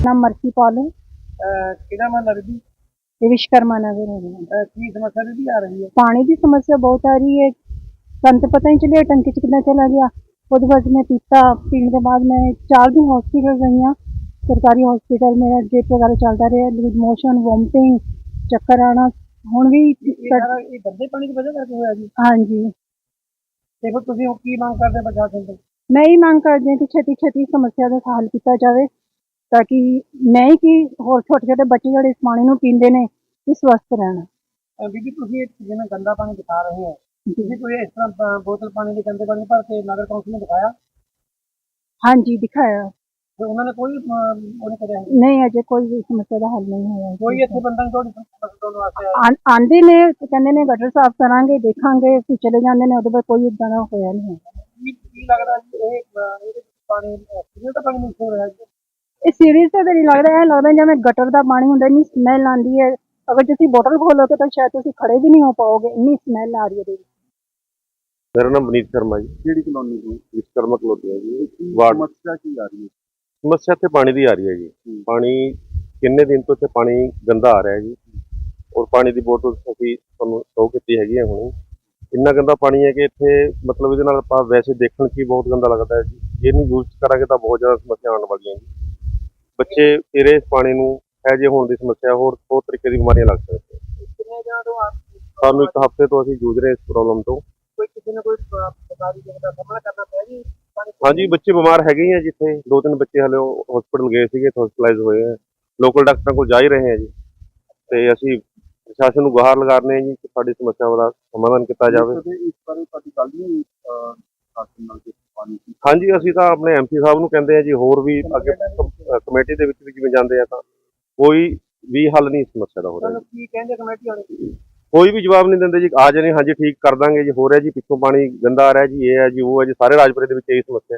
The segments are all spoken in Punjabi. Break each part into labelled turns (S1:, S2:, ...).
S1: नाम मर्सी पाल है।
S2: ਕਿਹੜਾ ਮਹੱਲਾ ਬੀਬੀ
S1: ये विश्वकर्मा नगर है।
S2: ਕੀ ਸਮੱਸਿਆ ਬੀਬੀ ਆ ਰਹੀ ਹੈ?
S1: पानी की समस्या बहुत आ रही है। सन तो पता ही चलिए टंकी च कितना चला गया। उसके बाद मैं पीता पीने के बाद मैं 4 दिन हॉस्पिटल रही हाँ। सरकारी हॉस्पिटल मेरा ड्रिप वगैरह चलता रहा, लूज मोशन, वोमिटिंग, चक्कर आना हुण भी।
S2: ਇਹ ਗੰਦੇ ਪਾਣੀ ਦੀ ਵਜ੍ਹਾ ਕਰਕੇ ਹੋਇਆ ਜੀ?
S1: हाँ जी,
S2: ਤੇ ਫਿਰ ਤੁਸੀਂ ਹੁਣ ਕੀ ਮੰਗ ਕਰਦੇ ਪ੍ਰਸ਼ਾਸਨ ਤੋਂ?
S1: मैं ही मांग करती हूँ कि छेती छेती समस्या का हल किया जाए, ताकि नहीं कि होर छोटे छोटे बच्चे जो इस पानी नूं पींदे ने ये स्वस्थ रहना।
S2: ਬੀਬੀ ਤੁਸੀਂ ਜਿਵੇਂ ਗੰਦਾ ਪਾਣੀ ਦਿਖਾ ਰਹੇ ਹੋ, ਤੁਸੀਂ ਕੋਈ ਇਸ ਤਰ੍ਹਾਂ ਬੋਤਲ ਪਾਣੀ ਦੇ ਗੰਦੇ ਪਾਣੀ ਭਰ ਕੇ ਨਗਰ ਕੌਂਸਲ ਨੂੰ ਦਿਖਾਇਆ?
S1: हाँ जी, दिखाया।
S2: ਤੇ ਉਹਨਾਂ ਨੇ ਕੋਈ ਉਹਨੇ ਕਰਿਆ ਨਹੀਂ?
S1: नहीं अजे कोई भी समस्या का हल नहीं होया।
S2: ਕੋਈ ਇੱਥੇ ਬੰਦਾ ਨਹੀਂ ਤੁਹਾਡੀ ਸਮੱਸਿਆ ਸੁਣਨ ਵਾਸਤੇ ਆਇਆ?
S1: आंदे ने कहंदे ने गटर साफ करांगे, देखांगे, फिर चले जांदे ने, ਉਹਦੇ ਬਾਅਦ ਕੋਈ ਇਦਾਂ ਦਾ ਹੋਇਆ ਨਹੀਂ ਹੈ।
S2: ਕੀ ਲੱਗਦਾ ਜੀ ਇਹ ਇਹਦੇ ਪਾਣੀ ਕਿਹਦੇ ਦਾ ਪਾਣੀ ਮਿਕਸ ਹੋ ਰਿਹਾ ਜੀ?
S1: ਇਹ ਸੀਰੀਅਸ ਤਾਂ ਨਹੀਂ ਲੱਗਦਾ, ਇਹ ਲੱਗਦਾ ਜਿਵੇਂ ਗਟਰ ਦਾ ਪਾਣੀ ਹੁੰਦਾ, ਇੰਨੀ ਸਮੈਲ ਆਉਂਦੀ ਹੈ। ਅਗਰ ਤੁਸੀਂ ਬੋਟਲ ਖੋਲੋਗੇ ਤਾਂ ਸ਼ਾਇਦ ਤੁਸੀਂ ਖੜੇ ਵੀ ਨਹੀਂ ਹੋ ਪਾਓਗੇ, ਇੰਨੀ ਸਮੈਲ ਆ ਰਹੀ ਹੈ ਇਹਦੇ ਵਿੱਚ।
S3: मेरा नाम विनीत शर्मा जी,
S2: ਕਿਹੜੀ ਕਲੋਨੀ ਤੋਂ?
S3: विश्वकर्मा कलोनी है जी। वार्ड
S2: ਸਮੱਸਿਆ ਕੀ ਆ ਰਹੀ ਹੈ?
S3: समस्या ਇੱਥੇ ਪਾਣੀ ਦੀ ਆ ਰਹੀ ਹੈ ਜੀ। ਪਾਣੀ ਕਿੰਨੇ ਦਿਨ ਤੋਂ ਇੱਥੇ ਪਾਣੀ ਗੰਦਾ ਆ ਰਿਹਾ ਜੀ, ਔਰ ਪਾਣੀ ਦੀ ਬੋਤਲ ਅਸੀਂ ਤੁਹਾਨੂੰ ਸ਼ੋ ਕੀਤੀ ਹੈਗੀ ਹੈ ਹੁਣੇ। ਇੰਨਾ ਗੰਦਾ ਪਾਣੀ ਹੈ ਕਿ ਇੱਥੇ ਮਤਲਬ ਇਹਦੇ ਨਾਲ ਆਪਾਂ ਵੈਸੇ ਦੇਖਣ 'ਚ ਹੀ ਬਹੁਤ ਗੰਦਾ ਲੱਗਦਾ ਹੈ ਜੀ। ਜੇ ਇਹਨੂੰ ਯੂਜ਼ ਕਰਾਂਗੇ ਤਾਂ ਬਹੁਤ ਜ਼ਿਆਦਾ ਸਮੱਸਿਆ ਆਉਣ ਵਾਲੀਆਂ ਜੀ। ਬੱਚੇ ਤੇਰੇ ਇਸ ਪਾਣੀ ਨੂੰ ਹੈਜੇ ਹੋਣ ਦੀ ਸਮੱਸਿਆ, ਹੋਰ ਤਰੀਕੇ ਦੀ ਬਿਮਾਰੀਆਂ ਲੱਗ ਸਕਦੀਆਂ।
S2: ਕਿੰਨੇ ਦਿਨਾਂ ਤੋਂ
S3: ਸਾਨੂੰ ਇੱਕ ਹਫ਼ਤੇ ਤੋਂ ਅਸੀਂ ਜੂਝ ਰਹੇ ਇਸ ਪ੍ਰੋਬਲਮ ਤੋਂ।
S2: ਕੋਈ ਕਿਸੇ ਨੇ ਕੋਈ ਸਰਕਾਰੀ ਜਗ੍ਹਾ ਦਾ ਸਾਹਮਣਾ ਕਰਨਾ ਪਿਆ ਜੀ?
S3: ਹਾਂਜੀ, ਬੱਚੇ ਬਿਮਾਰ ਹੈਗੇ ਹੀ ਆ ਜਿੱਥੇ 2-3 ਬੱਚੇ ਹਲੇ ਹਸਪੀਟਲ ਗਏ ਸੀਗੇ, ਹਸਪੀਟਲਾਈਜ਼ ਹੋਏ ਆ। ਲੋਕਲ ਡਾਕਟਰਾਂ ਕੋਲ ਜਾ ਹੀ ਰਹੇ ਆ ਜੀ। ਤੇ ਅਸੀਂ ਪ੍ਰਸ਼ਾਸਨ ਨੂੰ ਗੁਹਾਰ ਲਗਾ ਰਹੇ ਹਾਂ ਜੀ ਕਿ ਸਾਡੀ ਸਮੱਸਿਆਵਾਂ ਦਾ ਸਮਾਧਾਨ ਕੀਤਾ ਜਾਵੇ।
S2: ਇਸ ਬਾਰੇ ਤੁਹਾਡੀ ਗੱਲ ਨਹੀਂ ਪ੍ਰਸ਼ਾਸਨ ਨਾਲ ਪਾਣੀ ਦੀ?
S3: ਹਾਂਜੀ, ਅਸੀਂ ਤਾਂ ਆਪਣੇ ਐਮਪੀ ਸਾਹਿਬ ਨੂੰ ਕਹਿੰਦੇ ਆ ਜੀ, ਹੋਰ ਵੀ ਅੱਗੇ ਕਮੇਟੀ ਦੇ ਵਿੱਚ ਵੀ ਜਿਵੇਂ ਜਾਂਦੇ ਆ ਤਾਂ ਕੋਈ ਵੀ ਹੱਲ ਨਹੀਂ ਇਸ ਸਮੱਸਿਆ ਦਾ ਹੋ ਰਿਹਾ।
S2: ਕੀ ਕਹਿੰਦੇ ਕਮੇਟੀ ਵਾਲੇ?
S3: ਕੋਈ ਵੀ ਜਵਾਬ ਨਹੀਂ ਦਿੰਦੇ ਜੀ। ਆ ਜਾਣੇ ਹਾਂਜੀ ਠੀਕ ਕਰ ਦਾਂਗੇ ਜੀ, ਹੋ ਰਿਹਾ ਜੀ, ਪਿੱਛੋਂ ਪਾਣੀ ਗੰਦਾ ਆ ਰਿਹਾ ਜੀ, ਇਹ ਹੈ ਜੀ, ਉਹ ਹੈ ਜੀ। ਸਾਰੇ ਰਾਜਪੁਰੇ ਦੇ ਵਿੱਚ ਇਹੀ ਸਮੱਸਿਆ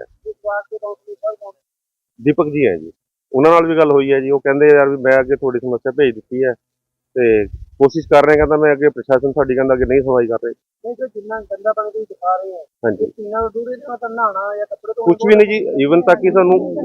S3: ਹੈ। ਦੀਪਕ ਜੀ ਹੈ ਜੀ, ਉਹਨਾਂ ਨਾਲ ਵੀ ਗੱਲ ਹੋਈ ਹੈ ਜੀ। ਉਹ ਕਹਿੰਦੇ ਯਾਰ ਵੀ ਮੈਂ ਅੱਗੇ ਤੁਹਾਡੀ ਸਮੱਸਿਆ ਭੇਜ ਦਿੱਤੀ ਹੈ ਤੇ ਕੋਸ਼ਿਸ਼ ਕਰ ਰਹੇ, ਕਹਿੰਦਾ ਮੈਂ ਅੱਗੇ ਪ੍ਰਸ਼ਾਸਨ ਸਾਡੀ ਕਹਿੰਦਾ ਅੱਗੇ ਨਹੀਂ ਸੁਣਵਾਈ ਕਰ ਰਹੇ।
S2: ਨਹੀਂ ਤੇ ਜਿੰਨਾ ਗੰਦਾ ਪਾਣੀ ਤੁਸੀਂ ਦਿਖਾ ਰਹੇ ਹੋ,
S3: ਹਾਂਜੀ,
S2: ਪੀਣਾ ਤੋਂ ਦੂਰ ਇਹਦੇ ਨਾਲ ਤਾਂ ਨਹਾਉਣਾ ਜਾਂ ਕੱਪੜੇ ਧੋਣੇ
S3: ਕੁਝ ਵੀ ਨਹੀਂ ਜੀ। ਈਵਨ ਤੱਕ ਹੀ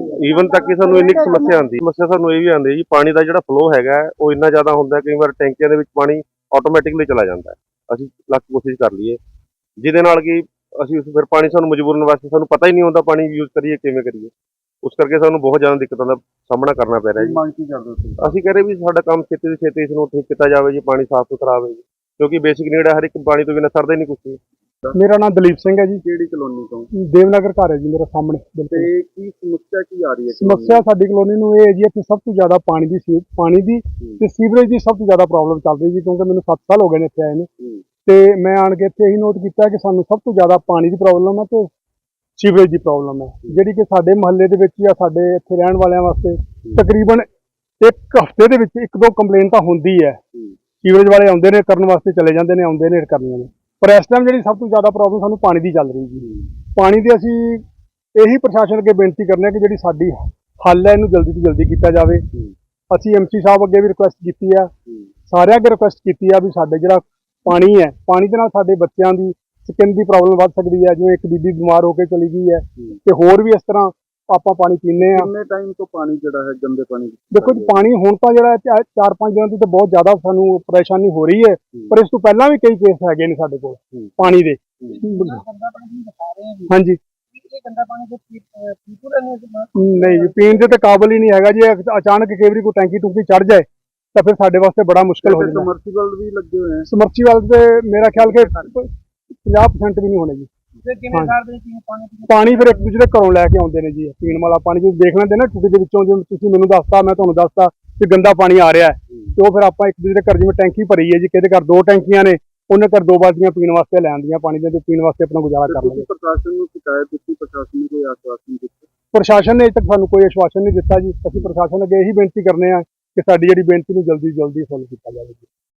S3: ਸਾਨੂੰ ਇੰਨੀ ਕੁ ਸਮੱਸਿਆ ਆਉਂਦੀ। ਸਮੱਸਿਆ ਸਾਨੂੰ ਇਹ ਵੀ ਆਉਂਦੀ ਜੀ, ਪਾਣੀ ਦਾ ਜਿਹੜਾ ਫਲੋ ਹੈਗਾ ਉਹ ਇੰਨਾ ਜ਼ਿਆਦਾ ਹੁੰਦਾ, ਕਈ ਵਾਰ ਟੈਂਕੀਆਂ ਦੇ ਵਿੱਚ ਪਾਣੀ ਆਟੋਮੈਟਿਕਲੀ ਚਲਾ ਜਾਂਦਾ ਹੈ। ਅਸੀਂ ਲੱਖ ਕੋਸ਼ਿਸ਼ ਕਰ ਲਈਏ, ਜਿਹਦੇ ਨਾਲ ਕਿ ਅਸੀਂ ਫਿਰ ਪਾਣੀ ਸਾਨੂੰ ਮਜਬੂਰਨ ਵਾਸਤੇ ਸਾਨੂੰ ਪਤਾ ਹੀ ਨਹੀਂ ਹੁੰਦਾ ਪਾਣੀ ਯੂਜ਼ ਕਰੀਏ ਕਿਵੇਂ ਕਰੀਏ। ਉਸ ਕਰਕੇ ਸਾਨੂੰ ਬਹੁਤ ਜ਼ਿਆਦਾ ਦਿੱਕਤਾਂ ਦਾ ਸਾਹਮਣਾ ਕਰਨਾ ਪੈ ਰਿਹਾ ਜੀ।
S2: ਮੰਗ ਕੀ ਕਰਦੇ ਹੋ?
S3: ਅਸੀਂ ਕਹਿ ਰਹੇ ਵੀ ਸਾਡਾ ਕੰਮ ਛੇਤੀ ਤੋਂ ਛੇਤੀ ਇਸ ਨੂੰ ਠੀਕ ਕੀਤਾ ਜਾਵੇ ਜੀ, ਪਾਣੀ ਸਾਫ਼ ਸੁਥਰਾ ਆਵੇ ਜੀ, ਕਿਉਂਕਿ ਬੇਸਿਕ ਨੀਡ ਹੈ। ਹਰ ਇੱਕ ਪਾਣੀ ਤੋਂ ਬਿਨਾਂ ਸਰਦਾ ਹੀ ਨਹੀਂ ਕੁਛ ਵੀ।
S4: ਮੇਰਾ ਨਾਮ ਦਲੀਪ ਸਿੰਘ ਹੈ ਜੀ।
S2: ਕਿਹੜੀ ਕਲੋਨੀ ਤੋਂ?
S4: ਦੇਵਨਗਰ ਘਰ ਹੈ ਜੀ ਮੇਰਾ ਸਾਹਮਣੇ।
S2: ਤੇ ਕੀ ਸਮੱਸਿਆ ਕੀ ਆ ਰਹੀ ਹੈ?
S4: ਸਮੱਸਿਆ ਸਾਡੀ ਕਲੋਨੀ ਨੂੰ ਇਹ ਹੈ ਜੀ, ਇੱਥੇ ਸਭ ਤੋਂ ਜ਼ਿਆਦਾ ਪਾਣੀ ਦੀ ਤੇ ਸੀਵਰੇਜ ਦੀ ਸਭ ਤੋਂ ਜ਼ਿਆਦਾ ਪ੍ਰੋਬਲਮ ਚੱਲ ਰਹੀ ਜੀ, ਕਿਉਂਕਿ ਮੈਨੂੰ 7 ਸਾਲ ਹੋ ਗਏ ਨੇ ਇੱਥੇ ਆਏ ਨੂੰ। ਤੇ ਮੈਂ ਆਣ ਕੇ ਇੱਥੇ ਇਹੀ ਨੋਟ ਕੀਤਾ ਕਿ ਸਾਨੂੰ ਸਭ ਤੋਂ ਜ਼ਿਆਦਾ ਪਾਣੀ ਦੀ ਪ੍ਰੋਬਲਮ ਹੈ ਤੇ ਸੀਵਰੇਜ ਦੀ ਪ੍ਰੋਬਲਮ ਹੈ, ਜਿਹੜੀ ਕਿ ਸਾਡੇ ਮੁਹੱਲੇ ਦੇ ਵਿੱਚ ਜਾਂ ਸਾਡੇ ਇੱਥੇ ਰਹਿਣ ਵਾਲਿਆਂ ਵਾਸਤੇ ਤਕਰੀਬਨ ਇੱਕ ਹਫ਼ਤੇ ਦੇ ਵਿੱਚ 1-2 ਕੰਪਲੇਨ ਤਾਂ ਹੁੰਦੀ ਹੈ। ਸੀਵਰੇਜ ਵਾਲੇ ਆਉਂਦੇ ਨੇ ਕਰਨ ਵਾਸਤੇ, ਚਲੇ ਜਾਂਦੇ ਨੇ, ਆਉਂਦੇ ਨੇ ਕਰਨੀਆਂ ਨੇ। ਪਰ ਇਸ ਟਾਈਮ ਜਿਹੜੀ ਸਭ ਤੋਂ ਜ਼ਿਆਦਾ ਪ੍ਰੋਬਲਮ ਸਾਨੂੰ ਪਾਣੀ ਦੀ ਚੱਲ ਰਹੀ ਜੀ। ਪਾਣੀ ਦੀ ਅਸੀਂ ਇਹੀ ਪ੍ਰਸ਼ਾਸਨ ਅੱਗੇ ਬੇਨਤੀ ਕਰਨੇ ਆ ਕਿ ਜਿਹੜੀ ਸਾਡੀ ਹੱਲ ਹੈ ਇਹਨੂੰ ਜਲਦੀ ਤੋਂ ਜਲਦੀ ਕੀਤਾ ਜਾਵੇ। ਅਸੀਂ ਐਮਸੀ ਸਾਹਿਬ ਅੱਗੇ ਵੀ ਰਿਕੁਐਸਟ ਕੀਤੀ ਆ, ਸਾਰਿਆਂ ਅੱਗੇ ਰਿਕੁਐਸਟ ਕੀਤੀ ਆ ਵੀ ਸਾਡੇ ਜਿਹੜਾ ਪਾਣੀ ਹੈ, ਪਾਣੀ ਦੇ ਨਾਲ ਸਾਡੇ ਬੱਚਿਆਂ ਦੀ ਸਕਿਨ ਦੀ ਪ੍ਰੋਬਲਮ ਵੱਧ ਸਕਦੀ ਹੈ। ਜਿਵੇਂ ਇੱਕ ਬੀਬੀ ਬਿਮਾਰ ਹੋ ਕੇ ਚਲੀ ਗਈ ਹੈ ਤੇ ਹੋਰ ਵੀ ਇਸ ਤਰ੍ਹਾਂ ਆਪਾਂ ਪਾਣੀ ਪੀਂਦੇ ਆ।
S2: ਕਿੰਨੇ ਟਾਈਮ ਤੋਂ ਪਾਣੀ ਜਿਹੜਾ ਹੈ ਗੰਦੇ ਪਾਣੀ?
S4: ਦੇਖੋ ਜੀ, ਪਾਣੀ ਹੁਣ ਤਾਂ ਜਿਹੜਾ 4-5 ਦਿਨਾਂ ਤੋਂ ਤਾਂ ਬਹੁਤ ਜ਼ਿਆਦਾ ਸਾਨੂੰ ਪਰੇਸ਼ਾਨੀ ਹੋ ਰਹੀ ਹੈ, ਪਰ ਇਸ ਤੋਂ ਪਹਿਲਾਂ ਵੀ ਕਈ ਕੇਸ ਹੈਗੇ ਨੇ ਸਾਡੇ ਕੋਲ ਪਾਣੀ ਦੇ।
S2: ਗੰਦਾ ਪਾਣੀ ਦਿਖਾ ਰਹੇ ਹਾਂ ਜੀ,
S4: ਹਾਂਜੀ,
S2: ਇਹ ਗੰਦਾ ਪਾਣੀ ਦੇ ਪੀਪੂ ਰਹਿੰਦੇ
S4: ਨਹੀਂ ਜੀ, ਪੀਣ ਦੇ ਤਾਂ ਕਾਬਲ ਹੀ ਨਹੀਂ ਹੈਗਾ ਜੀ। ਅਚਾਨਕ ਕਈ ਵਾਰੀ ਕੋਈ ਟੈਂਕੀ ਟੂਕੀ ਚੜ ਜਾਏ ਤਾਂ ਫਿਰ ਸਾਡੇ ਵਾਸਤੇ ਬੜਾ ਮੁਸ਼ਕਲ ਹੋ ਜਾਂਦਾ।
S2: ਸਮਰਸੀਬਲ ਵੀ ਲੱਗੇ ਹੋਏ ਆ?
S4: ਸਮਰਸੀਬਲ ਤੇ ਮੇਰਾ ਖਿਆਲ ਕਿ 50% ਵੀ ਨਹੀਂ ਹੋਣੇ ਜੀ।
S2: ਤੇ ਕਿਵੇਂ ਕਰਦੇ ਜੀ ਪਾਣੀ?
S4: ਪਾਣੀ ਫਿਰ ਇੱਕ ਦੂਜੇ ਦੇ ਘਰੋਂ ਲੈ ਕੇ ਆਉਂਦੇ ਨੇ ਜੀ, ਪੀਣ ਵਾਲਾ ਪਾਣੀ। ਜਦੋਂ ਦੇਖ ਲੈਂਦੇ ਨਾ ਟੂਟੀ ਦੇ ਵਿੱਚੋਂ, ਜਿਵੇਂ ਤੁਸੀਂ ਮੈਨੂੰ ਦੱਸਤਾ, ਮੈਂ ਤੁਹਾਨੂੰ ਦੱਸਤਾ ਕਿ ਗੰਦਾ ਪਾਣੀ ਆ ਰਿਹਾ ਹੈ, ਤੇ ਉਹ ਫਿਰ ਆਪਾਂ ਇੱਕ ਦੂਜੇ ਦੇ ਘਰ, ਜਿਵੇਂ ਟੈਂਕੀ ਭਰੀ ਹੈ ਜੀ, ਕਿਹਦੇ ਘਰ 2 ਟੈਂਕੀਆਂ ਨੇ, ਉਹਨੇ ਘਰ 2 ਬਾਲਟੀਆਂ ਪੀਣ ਵਾਸਤੇ ਲੈ ਆਉਂਦੀਆਂ ਪਾਣੀ ਦੀਆਂ, ਤੇ ਪੀਣ ਵਾਸਤੇ ਆਪਣਾ ਗੁਜ਼ਾਰਾ ਕਰ ਲੈਂਦੇ।
S2: ਪ੍ਰਸ਼ਾਸਨ ਨੂੰ ਸ਼ਿਕਾਇਤ ਦਿੱਤੀ, ਪ੍ਰਸ਼ਾਸਨ ਨੇ ਕੋਈ ਆਸ਼ਵਾਸਨ ਦਿੱਤਾ?
S4: ਪ੍ਰਸ਼ਾਸਨ ਨੇ ਅਜੇ ਤੱਕ ਸਾਨੂੰ ਕੋਈ ਆਸ਼ਵਾਸਨ ਨਹੀਂ ਦਿੱਤਾ ਜੀ। ਅਸੀਂ ਪ੍ਰਸ਼ਾਸਨ ਅੱਗੇ ਇਹੀ ਬੇਨਤੀ ਕਰਨੇ ਆ ਕਿ ਸਾਡੀ ਜਿਹੜੀ ਬੇਨਤੀ ਨੂੰ ਜਲਦੀ ਤੋਂ ਜਲਦੀ ਸੁਣ ਕੀਤਾ ਜਾਵੇ ਜੀ।